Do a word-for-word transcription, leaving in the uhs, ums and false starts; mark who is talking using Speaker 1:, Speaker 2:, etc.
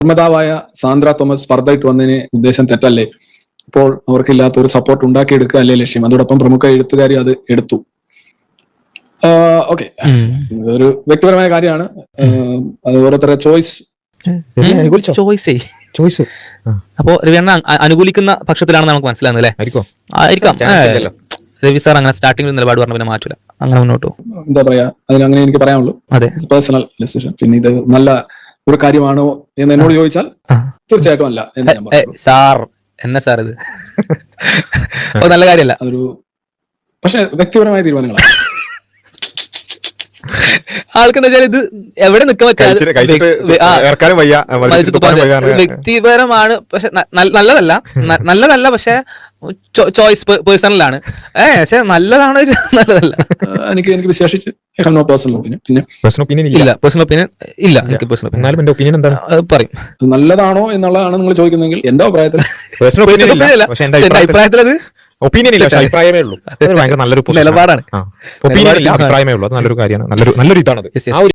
Speaker 1: നിർമ്മാതാവായ Sandra Thomas സ്പർദ്ധയിട്ട് വന്നതിന് ഉദ്ദേശം തെറ്റല്ലേ? ഇപ്പോൾ അവർക്കില്ലാത്ത ഒരു സപ്പോർട്ട് ഉണ്ടാക്കിയെടുക്കുക അല്ലേ ലക്ഷ്യം? അതോടൊപ്പം പ്രമുഖ എഴുത്തുകാരി അത് എടുത്തു. ഓക്കെ, ഒരു വ്യക്തിപരമായ കാര്യമാണ്. അത് ഓരോരുത്തരുടെ ചോയ്സ്.
Speaker 2: ചോയ്സ്
Speaker 3: അപ്പോ രവിയണ്ണ അനുകൂലിക്കുന്ന പക്ഷത്തിലാണ് നമുക്ക് മനസ്സിലാകുന്നത് അല്ലേ? ആയിരിക്കാം. രവി സാർ അങ്ങനെ സ്റ്റാർട്ടിംഗിൽ നിലപാട് പറഞ്ഞ പിന്നെ മാറ്റൂല, അങ്ങനെ മുന്നോട്ട് പോകും.
Speaker 1: എന്താ പറയാ, അതിന് അങ്ങനെ എനിക്ക് പറയാനുള്ളൂ.
Speaker 3: അതെ,
Speaker 1: പേഴ്സണൽ ഡിസിഷൻ. പിന്നെ ഇത് നല്ല ഒരു കാര്യമാണോ എന്ന് എന്നോട് ചോദിച്ചാൽ തീർച്ചയായിട്ടും അല്ല എന്ന് ഞാൻ പറയും.
Speaker 3: സാർ എന്നെ സാർ ഇത് നല്ല കാര്യമല്ല.
Speaker 1: അതൊരു പക്ഷെ വ്യക്തിപരമായ തീരുമാനങ്ങളാണ്.
Speaker 3: ആൾക്കെന്താ വെച്ചാൽ ഇത് എവിടെ നിൽക്കാൻ വ്യക്തിപരമാണ്, പക്ഷെ നല്ലതല്ല നല്ലതല്ല പക്ഷെ ചോയ്സ് പേഴ്സണലാണ്. ഏഹ് പക്ഷെ നല്ലതാണോ നല്ലതല്ല
Speaker 1: എനിക്ക് എനിക്ക് വിശേഷിച്ച് പേഴ്സണൽ ഒപ്പീനിയൻ. പിന്നെ
Speaker 3: പേഴ്സണൽ ഒപ്പീനിയൻ ഇല്ല, പേഴ്സണൽ ഒപ്പീനിയൻ ഇല്ല എനിക്ക്. പേഴ്സണൽ
Speaker 2: എന്നാലും എന്റെ ഒപ്പീനിയൻ എന്താണ്
Speaker 3: പറയും.
Speaker 1: നല്ലതാണോ എന്നുള്ളതാണ് നിങ്ങൾ ചോദിക്കുന്നെങ്കിൽ എന്റെ അഭിപ്രായത്തിൽ
Speaker 3: അഭിപ്രായത്തിൽ അത്
Speaker 2: ഒപ്പീനിയൻ ഇല്ല, അഭിപ്രായമേ ഉള്ളൂ. ഭയങ്കര നല്ലൊരു
Speaker 3: നിലപാടാണ്,
Speaker 2: ഒപ്പീനിയൻ ഇല്ല, അഭിപ്രായമേ ഉള്ളൂ. അത് നല്ലൊരു കാര്യമാണ്, നല്ലൊരു നല്ലൊരു ഇതാണത്.